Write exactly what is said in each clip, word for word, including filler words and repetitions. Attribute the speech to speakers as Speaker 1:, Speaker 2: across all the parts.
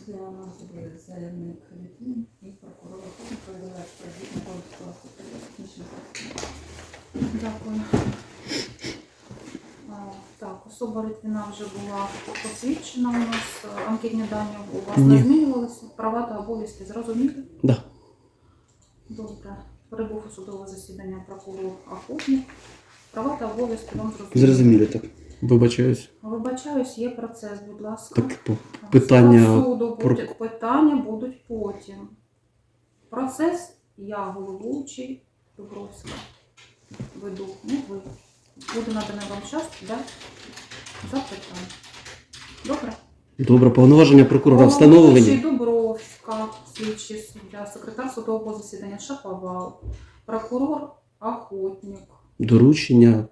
Speaker 1: Для нас буде заявник Літвін і прокурор проведення експертизу скласти технічних засобів.
Speaker 2: Дякую. А, так, особа Літвіна вже була посвідчена у нас. Анкетні дані у вас
Speaker 3: Ні.
Speaker 2: не змінювалися? Права та обов'язки зрозуміли?
Speaker 3: Да.
Speaker 2: Добре. Прибув у судове засідання прокурор Охотник. Права та обов'язки вам зрозуміли?
Speaker 3: Зрозуміло так. Вибачаюсь.
Speaker 2: Вибачаюсь, є процес, будь ласка.
Speaker 3: Так, по- питання
Speaker 2: Склад суду
Speaker 3: про-
Speaker 2: буде, питання будуть потім. Процес я головуючий Дубровська веду, не ви. Буде наданий вам час для запитань. Добре?
Speaker 3: Добре, повноваження прокурора встановлені.
Speaker 2: Головуючий Дубровська, слідчий суддя, секретар судового засідання Шаповал, прокурор Охотник.
Speaker 3: Доручення.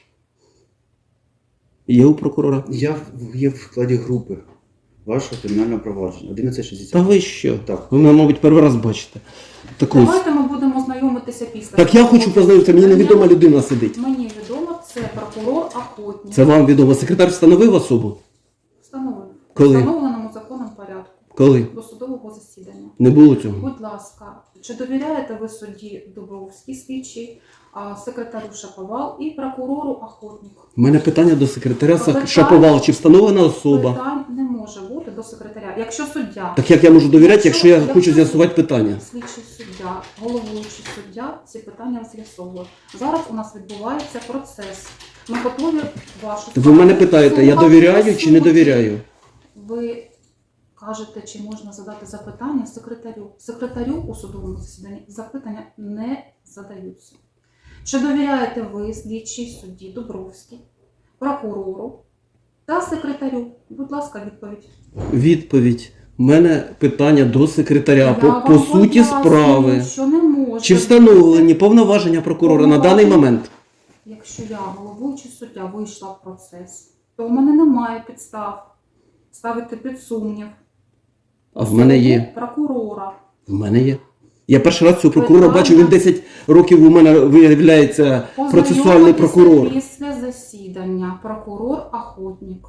Speaker 3: Є у прокурора?
Speaker 4: Я в- є в складі групи вашого кримінального провадження. одинадцять шістдесят.
Speaker 3: Та ви що?
Speaker 4: Так.
Speaker 3: Ви мене, мабуть, перший раз бачите. Так ось.
Speaker 2: Давайте ми будемо знайомитися після.
Speaker 3: Так я хочу познайомитися, мені невідома людина сидить.
Speaker 2: Мені відомо, це прокурор Охотник.
Speaker 3: Це вам відомо. Секретар встановив особу?
Speaker 2: Встановлено.
Speaker 3: Коли?
Speaker 2: В встановленому законом порядку.
Speaker 3: Коли?
Speaker 2: До судового засідання.
Speaker 3: Не було цього.
Speaker 2: Будь ласка, чи довіряєте ви судді Дубровській слідчий, а, секретарю Шаповал і прокурору Охотник?
Speaker 3: У мене питання до секретаря Са-
Speaker 2: Питання-
Speaker 3: Шаповал. Чи встановлена особа?
Speaker 2: Питань не може бути до секретаря. Якщо суддя,
Speaker 3: Так як я можу довіряти, якщо я
Speaker 2: Якщо-
Speaker 3: хочу
Speaker 2: якщо-
Speaker 3: з'ясувати питання?
Speaker 2: слідчий суддя, головуючий суддя ці питання з'ясовує. Зараз у нас відбувається процес. Ми готові вашу
Speaker 3: Ви мене
Speaker 2: справу
Speaker 3: питаєте, я
Speaker 2: слухати
Speaker 3: довіряю чи не
Speaker 2: судді.
Speaker 3: довіряю?
Speaker 2: Ви кажете, чи можна задати запитання секретарю. Секретарю у судовому засіданні запитання не задаються. Чи довіряєте ви слідчій судді Дубровській, прокурору та секретарю? Будь ласка, відповідь.
Speaker 3: Відповідь. У мене питання до секретаря
Speaker 2: Я
Speaker 3: по,
Speaker 2: вам
Speaker 3: по суті
Speaker 2: пояснюю,
Speaker 3: справи.
Speaker 2: що не може
Speaker 3: Чи
Speaker 2: бути.
Speaker 3: встановлені повноваження прокурора на даний
Speaker 2: Повноваження-
Speaker 3: момент?
Speaker 2: Якщо я, головуючий суддя, вийшла в процес, то у мене немає підстав ставити під сумнів
Speaker 3: А в мене є.
Speaker 2: особу прокурора.
Speaker 3: В мене є. Я перший раз цього прокурора
Speaker 2: Питання-
Speaker 3: бачу, він десять років у мене виявляється процесуальний
Speaker 2: Познайомитися
Speaker 3: прокурор.
Speaker 2: після засідання прокурор Охотник.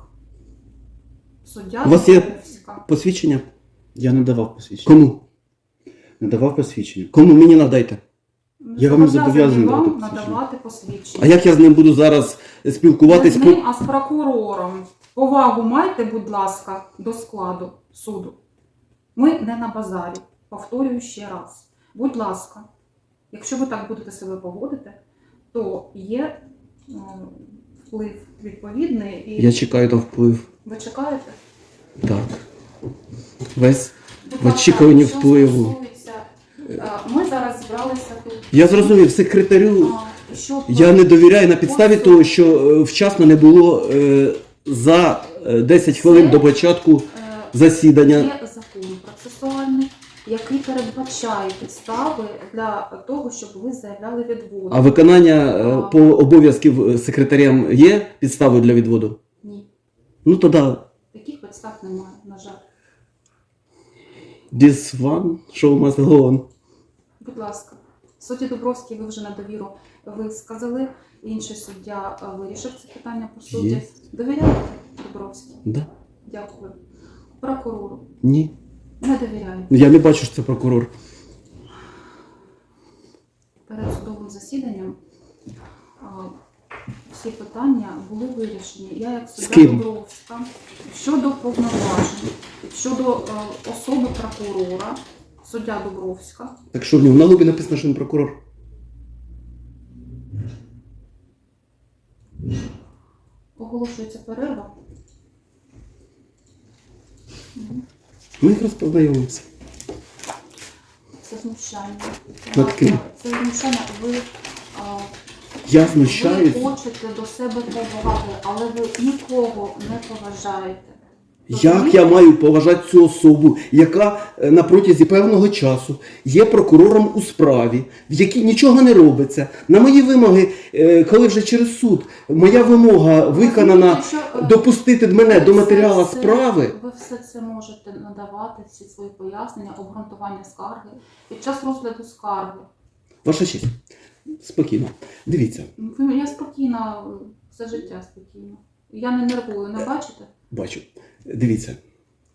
Speaker 2: Суддя
Speaker 3: У вас є-
Speaker 2: Дубровська.
Speaker 3: Посвідчення?
Speaker 4: Я не давав посвідчення.
Speaker 3: Кому?
Speaker 4: Не давав посвідчення.
Speaker 3: Кому мені надайте?
Speaker 4: Я вам не зобов'язаний
Speaker 2: вам
Speaker 4: давати посвідчення.
Speaker 2: надавати посвідчення.
Speaker 3: А як я з ним буду зараз
Speaker 2: Не
Speaker 3: спілкуватись?
Speaker 2: з ним, а з прокурором. Повагу майте, будь ласка, до складу суду. Ми не на базарі. Повторюю ще раз. Будь ласка, якщо ви так будете себе поводити, то є е, вплив відповідний і
Speaker 3: Я чекаю на вплив.
Speaker 2: ви чекаєте?
Speaker 3: Так. Весь
Speaker 2: Будь
Speaker 3: в
Speaker 2: ласка,
Speaker 3: очікуванні
Speaker 2: що
Speaker 3: впливу.
Speaker 2: стосується, е, Ми зараз зібралися тут.
Speaker 3: Я зрозумів, секретарю.
Speaker 2: а, щоб
Speaker 3: Я не довіряю на підставі того, що е, вчасно не було е, за е, десять хвилин
Speaker 2: Це-
Speaker 3: до початку
Speaker 2: е,
Speaker 3: засідання.
Speaker 2: Є закон процесуальний, який передбачає підстави для того, щоб ви заявляли відводи.
Speaker 3: А виконання е, по обов'язків секретарям є підставою для відводу?
Speaker 2: Ні,
Speaker 3: Ну тоді
Speaker 2: таких підстав немає, на жаль.
Speaker 3: this one show must go on.
Speaker 2: Будь ласка, судді Дубровський, ви вже на довіру висказали. Інший суддя е, вирішив це питання по суді.
Speaker 3: Є.
Speaker 2: Довіряєте Дубровський?
Speaker 3: Да?
Speaker 2: Дякую. Прокурору
Speaker 3: Ні.
Speaker 2: не довіряєте.
Speaker 3: Я не бачу, що це прокурор.
Speaker 2: Перед судовим засіданням а, всі питання були вирішені. Я як
Speaker 3: З
Speaker 2: суддя
Speaker 3: ким?
Speaker 2: Дубровська щодо повноважень, щодо е, особи прокурора, суддя Дубровська.
Speaker 3: Так що в нього на лобі написано, що він прокурор?
Speaker 2: Оголошується перерва. Мгм.
Speaker 3: Ми якраз познайомимося.
Speaker 2: Це знущання.
Speaker 3: Над ким?
Speaker 2: Це знущання. Ви, а,
Speaker 3: Я
Speaker 2: ви
Speaker 3: знущаюсь.
Speaker 2: хочете до себе поваги, але ви нікого не поважаєте.
Speaker 3: Як я маю поважати цю особу, яка е, на протязі певного часу є прокурором у справі, в якій нічого не робиться. На мої вимоги, е, коли вже через суд моя вимога виконана,
Speaker 2: Розумієте, що, е,
Speaker 3: допустити мене до
Speaker 2: ви
Speaker 3: матеріалу
Speaker 2: все це-
Speaker 3: справи.
Speaker 2: Ви все це можете надавати, всі свої пояснення, обґрунтування скарги під час розгляду скарги.
Speaker 3: Ваша честь, спокійно. Дивіться,
Speaker 2: Ви- Я спокійна, все життя спокійно. Я не нервую, не бачите?
Speaker 3: бачу. Дивіться,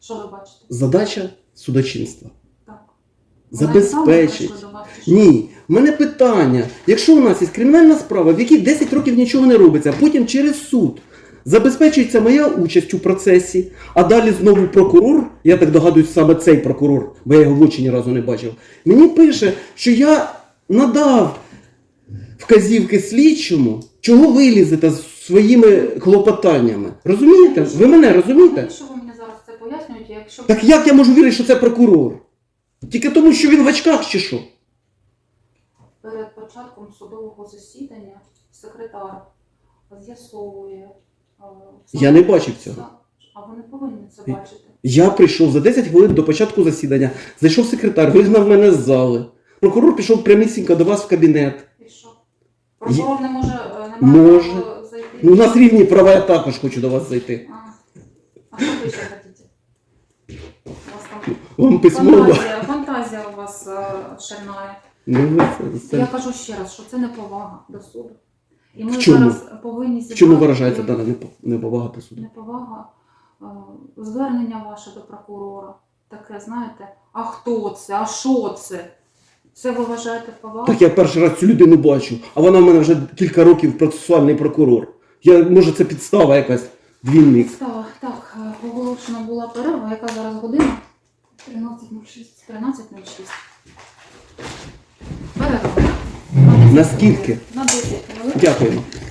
Speaker 2: Що ви бачите?
Speaker 3: Задача судочинства.
Speaker 2: Так.
Speaker 3: Забезпечить.
Speaker 2: Вона і саме прийшла до вас, чи що?
Speaker 3: Ні, в мене питання. Якщо у нас є кримінальна справа, в якій десять років нічого не робиться, а потім через суд забезпечується моя участь у процесі, а далі знову прокурор, я так догадуюсь, саме цей прокурор, бо я його в очі ні разу не бачив, мені пише, що я надав вказівки слідчому, чого ви лізете з своїми клопотаннями. Розумієте? Ви мене розумієте?
Speaker 2: Навіщо ви мені зараз це пояснюєте, якщо...
Speaker 3: Так як я можу вірити, що це прокурор? Тільки тому, що він в очках чи що?
Speaker 2: Перед початком судового засідання секретар з'ясовує... е,
Speaker 3: Я не бачив цього.
Speaker 2: А ви не повинні це бачити.
Speaker 3: Я прийшов за десять хвилин до початку засідання, зайшов секретар, вигнав мене з зали. Прокурор пішов прямісінько до вас в кабінет.
Speaker 2: І що? Прокурор не може, е, не має
Speaker 3: Може.
Speaker 2: права зайти?
Speaker 3: Ну, у нас рівні права, я також хочу до вас зайти.
Speaker 2: А, а що ви ще хотіте? У вас там
Speaker 3: Вам письмово.
Speaker 2: фантазія, фантазія у вас е, шальная.
Speaker 3: Ну, це, це...
Speaker 2: Я кажу ще раз, що це неповага до суду. І ми
Speaker 3: В чому?
Speaker 2: зараз повинні
Speaker 3: В
Speaker 2: зібрати...
Speaker 3: чому виражається дана непо- неповага до суду?
Speaker 2: Неповага, е, звернення ваше до прокурора. Таке, знаєте, а хто це, а що це? Це ви вважаєте повагою?
Speaker 3: Так я перший раз цю людину бачу, а вона в мене вже кілька років процесуальний прокурор. Я, може, це підстава якась, двійник.
Speaker 2: Так, так, е, оголошена була перерва, яка зараз година?
Speaker 1: тринадцять нуль шість.
Speaker 2: тринадцять нуль шість. Перерва. На десять
Speaker 3: Наскільки?
Speaker 2: хвилин. На десять хвилин.
Speaker 3: Дякуємо.